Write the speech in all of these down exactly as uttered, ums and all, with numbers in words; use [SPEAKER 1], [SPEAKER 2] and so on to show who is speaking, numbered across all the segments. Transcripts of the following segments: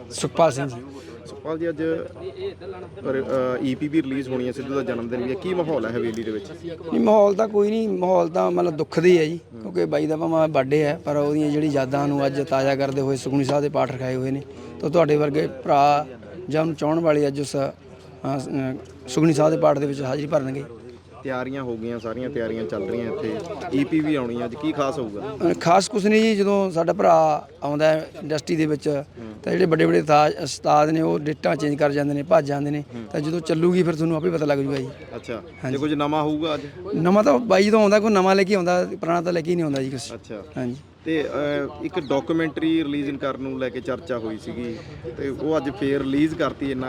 [SPEAKER 1] ਸੁਖਪਾਲ ਸਿੰਘ ਜੀ।
[SPEAKER 2] ਸੁਖਪਾਲ ਜੀ, ਅੱਜ ਈਪੀ ਵੀ ਰਿਲੀਜ਼ ਹੋਣੀ ਹੈ, ਸਿੱਧੂ ਦਾ ਜਨਮ ਦਿਨ ਵੀ ਹੈ, ਕੀ ਮਾਹੌਲ ਹੈ ਹਵੇਲੀ ਦੇ ਵਿੱਚ?
[SPEAKER 1] ਨਹੀਂ, ਮਾਹੌਲ ਤਾਂ ਕੋਈ ਨਹੀਂ, ਮਾਹੌਲ ਤਾਂ ਮਤਲਬ ਦੁੱਖ ਦੀ ਹੈ ਜੀ, ਕਿਉਂਕਿ ਬਾਈ ਦਾ ਭਾਵੇਂ ਬਰਥਡੇ ਹੈ ਪਰ ਉਹਦੀਆਂ ਜਿਹੜੀ ਯਾਦਾਂ ਨੂੰ ਅੱਜ ਤਾਜ਼ਾ ਕਰਦੇ ਹੋਏ ਸੁਖਮਨੀ ਸਾਹਿਬ ਦੇ ਪਾਠ ਰਖਾਏ ਹੋਏ ਨੇ, ਤਾਂ ਤੁਹਾਡੇ ਵਰਗੇ ਭਰਾ ਜਾਂ ਉਹਨੂੰ ਚਾਹਣ ਵਾਲੇ ਅੱਜ ਉਸ ਸੁਖਮਨੀ ਸਾਹਿਬ ਦੇ ਪਾਠ ਦੇ ਵਿੱਚ ਹਾਜ਼ਰੀ ਭਰਨਗੇ।
[SPEAKER 2] ਤਿਆਰੀਆਂ ਹੋ ਗਈਆਂ, ਸਾਰੀਆਂ ਤਿਆਰੀਆਂ ਚੱਲ ਰਹੀਆਂ, ਇੱਥੇ ਈਪੀ ਵੀ ਆਉਣੀ ਅੱਜ, ਕੀ ਖਾਸ ਹੋਊਗਾ?
[SPEAKER 1] ਖਾਸ ਕੁਛ ਨਹੀਂ ਜੀ, ਜਦੋਂ ਸਾਡਾ ਭਰਾ ਆਉਂਦਾ ਇੰਡਸਟਰੀ ਦੇ ਵਿੱਚ ਤਾਂ ਜਿਹੜੇ ਵੱਡੇ ਵੱਡੇ ਤਾਜ ਉਸਤਾਦ ਨੇ ਉਹ ਡੇਟਾਂ ਚੇਂਜ ਕਰ ਜਾਂਦੇ ਨੇ, ਭੱਜ ਜਾਂਦੇ ਨੇ, ਤਾਂ ਜਦੋਂ ਚੱਲੂਗੀ ਫਿਰ ਤੁਹਾਨੂੰ ਆਪੇ ਪਤਾ ਲੱਗ ਜੂਗਾ ਜੀ।
[SPEAKER 2] ਅੱਛਾ, ਤੇ ਕੁਝ ਨਵਾਂ ਹੋਊਗਾ ਅੱਜ?
[SPEAKER 1] ਨਵਾਂ ਤਾਂ ਬਾਈ ਜਦੋਂ ਆਉਂਦਾ ਕੋਈ ਨਵਾਂ ਲੈ ਕੇ ਆਉਂਦਾ, ਪੁਰਾਣਾ ਤਾਂ ਲੈ ਕੇ ਹੀ ਨਹੀਂ ਆਉਂਦਾ ਜੀ ਕੁਛ।
[SPEAKER 2] ਅੱਛਾ,
[SPEAKER 1] ਹਾਂਜੀ।
[SPEAKER 2] ਤੇ ਇੱਕ ਡਾਕੂਮੈਂਟਰੀ ਰਿਲੀਜ਼ ਕਰਨ ਨੂੰ ਲੈ ਕੇ ਚਰਚਾ ਹੋਈ ਸੀਗੀ, ਤੇ ਉਹ ਅੱਜ ਫੇਰ ਰਿਲੀਜ਼ ਕਰਤੀ। ਇੰਨਾ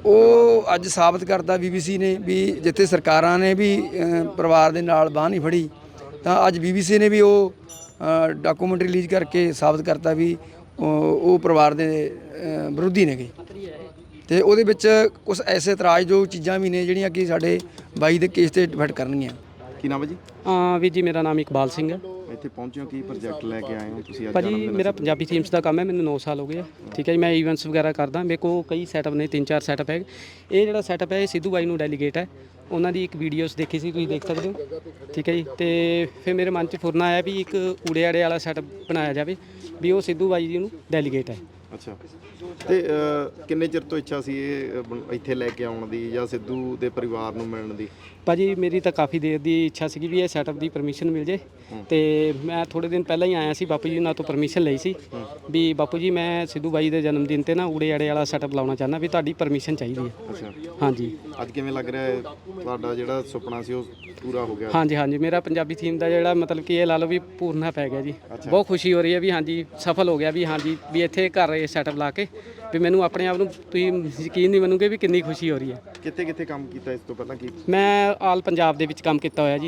[SPEAKER 1] ਉਹ ਅੱਜ ਸਾਬਤ ਕਰਤਾ ਬੀਬੀਸੀ ਨੇ ਵੀ ਜਿੱਥੇ ਸਰਕਾਰਾਂ ਨੇ ਵੀ ਪਰਿਵਾਰ ਦੇ ਨਾਲ ਬਾਂਹ ਨਹੀਂ ਫੜੀ, ਤਾਂ ਅੱਜ ਬੀਬੀਸੀ ਨੇ ਵੀ ਉਹ ਡਾਕੂਮੈਂਟਰੀ ਰਿਲੀਜ਼ ਕਰਕੇ ਸਾਬਤ ਕਰਤਾ ਵੀ ਉਹ ਪਰਿਵਾਰ ਦੇ ਵਿਰੋਧੀ ਨੇਗੇ। ਤੇ ਉਹਦੇ ਵਿੱਚ ਕੁਝ ਐਸੇ ਇਤਰਾਜ਼ਯੋਗ ਚੀਜ਼ਾਂ ਵੀ ਨੇ ਜਿਹੜੀਆਂ ਕਿ ਸਾਡੇ ਬਾਈ ਦੇ ਕੇਸ ਤੇ ਡਿਫੈਕਟ ਕਰਨਗੀਆਂ।
[SPEAKER 2] ਕੀ ਨਾਮ ਹੈ ਜੀ?
[SPEAKER 3] ਹਾਂ ਵੀਰ ਜੀ, ਮੇਰਾ ਨਾਮ ਇਕਬਾਲ ਸਿੰਘ ਹੈ।
[SPEAKER 2] ਇੱਥੇ ਪਹੁੰਚੇ ਹੋ, ਕੀ ਪ੍ਰੋਜੈਕਟ ਲੈ ਕੇ ਆਏ ਹੋ ਤੁਸੀਂ ਅੱਜ?
[SPEAKER 3] ਭਾਜੀ ਮੇਰਾ ਪੰਜਾਬੀ ਥੀਮਸ ਦਾ ਕੰਮ ਹੈ, ਮੈਨੂੰ ਨੌ ਸਾਲ ਹੋ ਗਏ ਆ। ਠੀਕ ਹੈ ਜੀ, ਮੈਂ ਈਵੈਂਟਸ ਵਗੈਰਾ ਕਰਦਾ, ਮੇਰੇ ਕੋਲ ਕਈ ਸੈਟਅਪ ਨੇ, ਤਿੰਨ ਚਾਰ ਸੈਟਅਪ ਹੈ। ਇਹ ਜਿਹੜਾ ਸੈਟਅਪ ਹੈ ਇਹ ਸਿੱਧੂ ਬਾਈ ਨੂੰ ਡੈਲੀਗੇਟ ਹੈ, ਉਹਨਾਂ ਦੀ ਇੱਕ ਵੀਡੀਓਸ ਦੇਖੀ ਸੀ, ਤੁਸੀਂ ਦੇਖ ਸਕਦੇ ਹੋ। ਠੀਕ ਹੈ ਜੀ, ਤੇ ਫਿਰ ਮੇਰੇ ਮਨ 'ਚ ਫੁਰਨਾ ਆਇਆ ਵੀ ਇੱਕ ਊੜੇ ਆੜੇ ਵਾਲਾ ਸੈਟਅਪ ਬਣਾਇਆ ਜਾਵੇ ਵੀ ਉਹ ਸਿੱਧੂ ਬਾਈ ਜੀ ਨੂੰ ਡੈਲੀਗੇਟ ਹੈ।
[SPEAKER 2] ਅੱਛਾ, ਤੇ ਕਿੰਨੇ ਚਿਰ ਤੋਂ ਇੱਛਾ ਸੀ ਇਹ ਇੱਥੇ ਲੈ ਕੇ ਆਉਣ ਦੀ ਜਾਂ ਸਿੱਧੂ ਦੇ ਪਰਿਵਾਰ ਨੂੰ ਮਿਲਣ ਦੀ?
[SPEAKER 3] ਭਾਜੀ ਮੇਰੀ ਤਾਂ ਕਾਫੀ ਦੇਰ ਦੀ ਇੱਛਾ ਸੀਗੀ ਵੀ ਇਹ ਸੈਟਅਪ ਦੀ ਪਰਮਿਸ਼ਨ ਮਿਲ ਜੇ, ਤੇ ਮੈਂ ਥੋੜ੍ਹੇ ਦਿਨ ਪਹਿਲਾਂ ਹੀ ਆਇਆ ਸੀ, ਬਾਪੂ ਜੀ ਨਾਲ ਤੋਂ ਪਰਮਿਸ਼ਨ ਲਈ ਸੀ ਵੀ ਬਾਪੂ ਜੀ ਮੈਂ ਸਿੱਧੂ ਬਾਈ ਦੇ ਜਨਮ ਦਿਨ 'ਤੇ ਨਾ ਊੜੇ ਆੜੇ ਵਾਲਾ ਸੈਟਅਪ ਲਾਉਣਾ ਚਾਹੁੰਦਾ, ਵੀ ਤੁਹਾਡੀ ਪਰਮਿਸ਼ਨ ਚਾਹੀਦੀ ਹੈ।
[SPEAKER 2] ਅੱਛਾ,
[SPEAKER 3] ਹਾਂਜੀ।
[SPEAKER 2] ਅੱਜ ਕਿਵੇਂ ਲੱਗ ਰਿਹਾ ਹੈ ਤੁਹਾਡਾ ਜਿਹੜਾ ਸੁਪਨਾ ਸੀ ਉਹ ਪੂਰਾ ਹੋ ਗਿਆ?
[SPEAKER 3] ਹਾਂਜੀ ਹਾਂਜੀ, ਮੇਰਾ ਪੰਜਾਬੀ ਥੀਮ ਦਾ ਜਿਹੜਾ ਮਤਲਬ ਕਿ ਇਹ ਲਾ ਲਓ ਵੀ ਪੂਰਨਾ ਪੈ ਗਿਆ ਜੀ। ਬਹੁਤ ਖੁਸ਼ੀ ਹੋ ਰਹੀ ਹੈ ਵੀ ਹਾਂਜੀ ਸਫਲ ਹੋ ਗਿਆ, ਵੀ ਹਾਂਜੀ ਵੀ ਇੱਥੇ ਘਰ ਇਹ ਸੈਟਅਪ ਲਾ ਕੇ ਵੀ ਮੈਨੂੰ ਆਪਣੇ ਆਪ ਨੂੰ ਤੁਸੀਂ ਯਕੀਨ ਨਹੀਂ ਮੰਨੋਗੇ ਵੀ ਕਿੰਨੀ ਖੁਸ਼ੀ ਹੋ ਰਹੀ ਹੈ।
[SPEAKER 2] ਕਿੱਥੇ ਕਿੱਥੇ ਕੰਮ ਕੀਤਾ ਇਸ ਤੋਂ ਪਹਿਲਾਂ? ਕੀ
[SPEAKER 3] ਮੈਂ ਆਲ ਪੰਜਾਬ ਦੇ ਵਿੱਚ ਕੰਮ ਕੀਤਾ ਹੋਇਆ ਜੀ,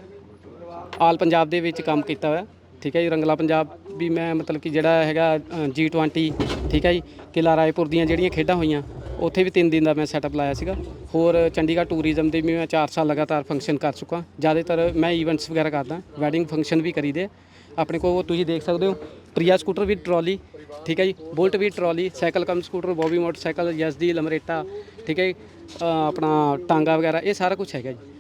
[SPEAKER 3] ਆਲ ਪੰਜਾਬ ਦੇ ਵਿੱਚ ਕੰਮ ਕੀਤਾ ਹੋਇਆ। ਠੀਕ ਹੈ ਜੀ, ਰੰਗਲਾ ਪੰਜਾਬ ਵੀ ਮੈਂ ਮਤਲਬ ਕਿ ਜਿਹੜਾ ਹੈਗਾ ਜੀ ਟਵੈਂਟੀ, ਠੀਕ ਹੈ ਜੀ, ਕਿਲ੍ਹਾ ਰਾਏਪੁਰ ਦੀਆਂ ਜਿਹੜੀਆਂ ਖੇਡਾਂ ਹੋਈਆਂ ਉੱਥੇ ਵੀ ਤਿੰਨ ਦਿਨ ਦਾ ਮੈਂ ਸੈਟਅਪ ਲਾਇਆ ਸੀਗਾ। ਹੋਰ ਚੰਡੀਗੜ੍ਹ ਟੂਰਿਜ਼ਮ ਦੇ ਵੀ ਮੈਂ ਚਾਰ ਸਾਲ ਲਗਾਤਾਰ ਫੰਕਸ਼ਨ ਕਰ ਚੁੱਕਾ। ਜ਼ਿਆਦਾਤਰ ਮੈਂ ਈਵੈਂਟਸ ਵਗੈਰਾ ਕਰਦਾ, ਵੈਡਿੰਗ ਫੰਕਸ਼ਨ ਵੀ ਕਰੀਦੇ ਆਪਣੇ ਕੋਲ। ਤੁਸੀਂ ਦੇਖ ਸਕਦੇ ਹੋ ਪ੍ਰਿਆ ਸਕੂਟਰ ਵੀ ਟਰਾਲੀ, ਠੀਕ ਹੈ ਜੀ, ਬੁਲਟ ਵੀ trolley, cycle cum scooter, Bobby motorcycle, yes the Lambretta, ਠੀਕ ਹੈ ਜੀ, ਆਪਣਾ ਟਾਂਗਾ ਵਗੈਰਾ, ਇਹ ਸਾਰਾ ਕੁਝ ਹੈਗਾ ਜੀ।